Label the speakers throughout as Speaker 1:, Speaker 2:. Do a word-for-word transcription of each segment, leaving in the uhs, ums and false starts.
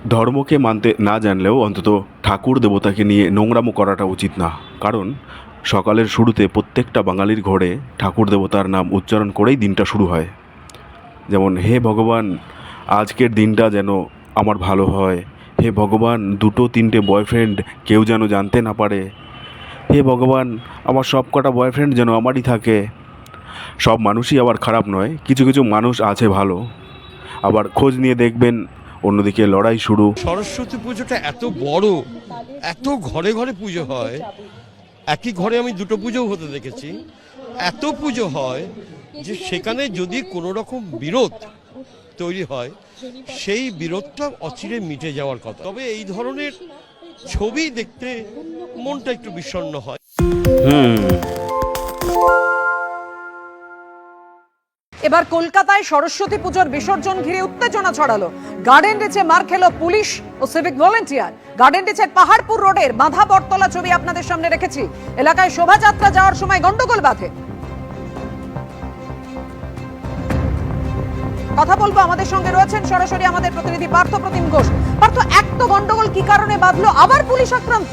Speaker 1: ধর্মকে মানতে না জানলেও অন্তত ঠাকুর দেবতাকে নিয়ে নোংরামো করাটা উচিত না। কারণ সকালের শুরুতে প্রত্যেকটা বাঙালির ঘরে ঠাকুর দেবতার নাম উচ্চারণ করেই দিনটা শুরু হয়। যেমন, হে ভগবান, আজকের দিনটা যেন আমার ভালো হয়। হে ভগবান, দুটো তিনটে বয়ফ্রেন্ড কেউ যেন জানতে না পারে। হে ভগবান, আমার সব কটা বয়ফ্রেন্ড যেন আমারই থাকে। সব মানুষই আবার খারাপ নয়, কিছু কিছু মানুষ আছে ভালো। আবার খোঁজ নিয়ে দেখবেন অন্যদিকে লড়াই শুরু।
Speaker 2: সরস্বতী পুজোটা এত বড়, এত ঘরে ঘরে পুজো হয়। একই ঘরে আমি দুটো পুজোও হতে দেখেছি। এত পুজো হয় যে সেখানে যদি কোনো রকম বিরোধ তৈরি হয়, সেই বিরোধটা অচিরে মিটে যাওয়ার কথা। তবে এই ধরনের ছবি দেখতে মনটা একটু বিষণ্ণ হয়।
Speaker 1: হুম
Speaker 3: এবার কলকাতায় সরস্বতী পুজোর বিসর্জন ঘিরে উত্তেজনা ছড়ালো। গার্ডেন রিচে মার খেলো পুলিশ ও সিভিক ভলেন্টিয়ার। গার্ডেন রিচের পাহাড়পুর রোডের বাঁধা বটতলা ছবি আপনাদের সামনে রেখেছি। এলাকায় শোভাযাত্রা যাওয়ার সময় গন্ডগোল বাধে। কথা বলবো, আমাদের সঙ্গে রয়েছেন সরাসরি আমাদের প্রতিনিধি পার্থ প্রতিম ঘোষ। পার্থ, এক তো গন্ডগোল কি কারণে বাঁধলো, আবার পুলিশ আক্রান্ত?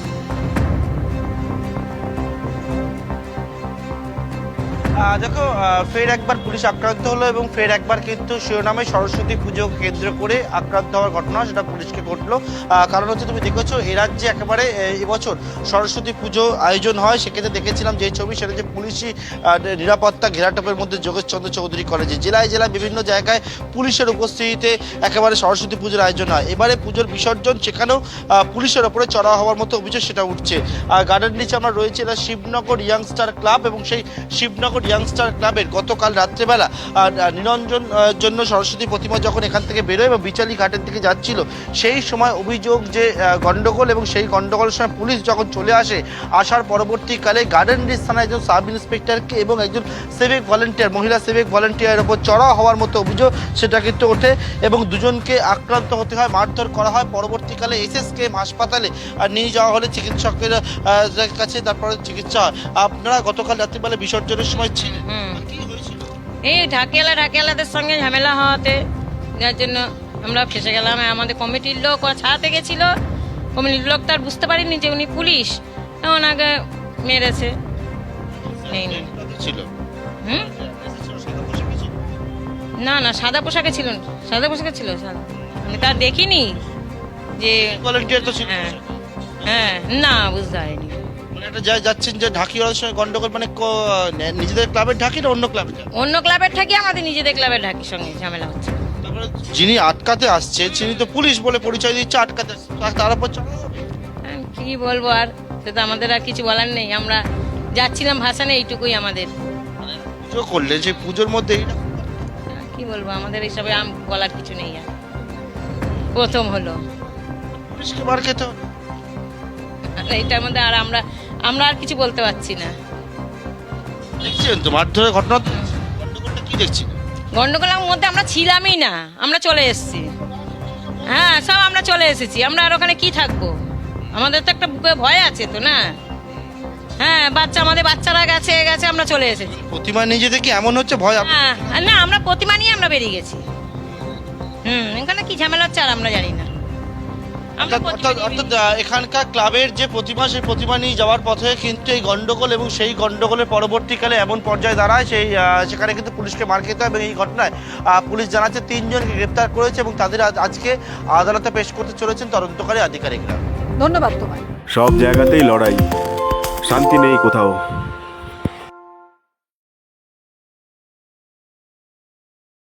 Speaker 4: দেখো, ফের একবার পুলিশ আক্রান্ত হলো এবং ফের একবার কিন্তু শিরোনামে সরস্বতী পুজো কেন্দ্র করে আক্রান্ত হওয়ার ঘটনা সেটা পুলিশকে ঘটলো। কারণ হচ্ছে, তুমি দেখেছো এ রাজ্যে একেবারে এবছর সরস্বতী পুজো আয়োজন হয়, সেক্ষেত্রে দেখেছিলাম যে ছবি, সেটা যে পুলিশি নিরাপত্তা ঘেরাটোপের মধ্যে যোগেশচন্দ্র চৌধুরী কলেজে জেলায় জেলায় বিভিন্ন জায়গায় পুলিশের উপস্থিতিতে একেবারে সরস্বতী পুজোর আয়োজন হয়। এবারে পুজোর বিসর্জন, সেখানেও পুলিশের ওপরে চড়া হওয়ার মতো অভিযোগ সেটা উঠছে। গার্ডেন নিচে আমরা রয়েছে, এটা শিবনগর ইয়াংস্টার ক্লাব, এবং সেই শিবনগর ইয়াংস্টার ক্লাবের গতকাল রাত্রেবেলা নিরঞ্জন জন্য সরস্বতী প্রতিমা যখন এখান থেকে বেরোয় এবং বিচালি ঘাটের দিকে যাচ্ছিল, সেই সময় অভিযোগ যে গন্ডগোল, এবং সেই গন্ডগোলের সময় পুলিশ যখন চলে আসে, আসার পরবর্তীকালে গার্ডেন রিচ থানায় একজন সাব ইন্সপেক্টরকে এবং একজন সিভিক ভলেন্টিয়ার, মহিলা সিভিক ভলেন্টিয়ারের ওপর চড়া হওয়ার মতো অভিযোগ সেটা কিন্তু ওঠে এবং দুজনকে আক্রান্ত হতে হয়, মারধর করা হয়। পরবর্তীকালে এসএসকেএম হাসপাতালে নিয়ে যাওয়া হলে চিকিৎসকের কাছে, তারপরে চিকিৎসা হয়। আপনারা গতকাল রাত্রিবেলা বিসর্জনের সময় ছিলেন, কি হয়েছিল?
Speaker 5: এই ঢাকিয়ালা ঢাকিয়ালাদের সঙ্গে ঝামেলা হওয়াতে, যার জন্য আমরা ফেসে গেলাম। আমাদের কমিটির লোক ওরা ছাড়াতে গেছিল, কমিটির লোক তার বুঝতে পারিনি যে উনি পুলিশ, ওনাকে মেরেছে। হুম না না সাদা পোশাকে ছিল, সাদা পোশাকে ছিল, সাদা। আমি তার দেখিনি যে
Speaker 4: ভলেন্টিয়ার তো ছিল।
Speaker 5: হ্যাঁ হ্যাঁ না বুঝতে পারিনি।
Speaker 4: এটা যা যাচ্ছেন যে ঢাকিওয়ালার সঙ্গে গন্ডগোল, মানে নিজেদের ক্লাবের ঢাকি না অন্য ক্লাবের?
Speaker 5: অন্য ক্লাবের ঢাকি, আমাদের নিজেদের ক্লাবের ঢাকির সঙ্গে ঝামেলা হচ্ছে।
Speaker 4: তারপরে যিনি আটকাতে আসছে তিনি তো পুলিশ বলে পরিচয় দিচ্ছে, আটকাতে আসছে, তার উপর
Speaker 5: কি বলবো আর, সেটা আমাদের আর কিছু বলার নেই। আমরা যাচ্ছিলাম ভাসানে, এইটুকুই আমাদের।
Speaker 4: পুজো করলেন, সেই পুজোর মধ্যে
Speaker 5: কি বলবো, আমাদের এইসবে আম বলার কিছু নেই। আর প্রথম হলো
Speaker 4: পুলিশকে মার খেতে হলো,
Speaker 5: এইটার মধ্যে আর আমরা আমরা আর কিছু বলতে পারছি না।
Speaker 4: দেখছেন তো মারধরের ঘটনা, গন্ডগোলটা কি দেখছেন?
Speaker 5: গন্ডগোলের মধ্যে আমরা ছিলামই না, আমরা চলে এসেছি। হ্যাঁ, সব আমরা চলে এসেছি। আমরা আর ওখানে কি থাকবো? আমাদের তো একটা বুকে ভয় আছে তো, না? হ্যাঁ, বাচ্চা, আমাদের বাচ্চারা গেছে গেছে আমরা চলে এসেছি।
Speaker 4: প্রতিমা নিজে থেকে এমন হচ্ছে ভয়?
Speaker 5: হ্যাঁ না, আমরা প্রতিমা নিয়ে আমরা বেরিয়ে গেছি। হুম এখানে কি ঝামেলা হচ্ছে আর আমরা জানি না।
Speaker 4: অর্থাৎ এখানকার ক্লাবের যে প্রতিমা, সেই প্রতিমা নিয়ে যাওয়ার পথে কিন্তু এই গন্ডগোল, এবং সেই গন্ডগোলের পরবর্তীকালে এমন পর্যায়ে দাঁড়ায়, সেই সেখানে কিন্তু পুলিশকে মার খেতে হয়। এবং এই ঘটনায় পুলিশ জানাচ্ছে তিনজনকে গ্রেপ্তার করেছে এবং তাদের আজকে আদালতে পেশ করতে চলেছেন তদন্তকারী আধিকারিকরা।
Speaker 3: ধন্যবাদ তোমায়।
Speaker 1: সব জায়গাতেই লড়াই, শান্তি নেই কোথাও।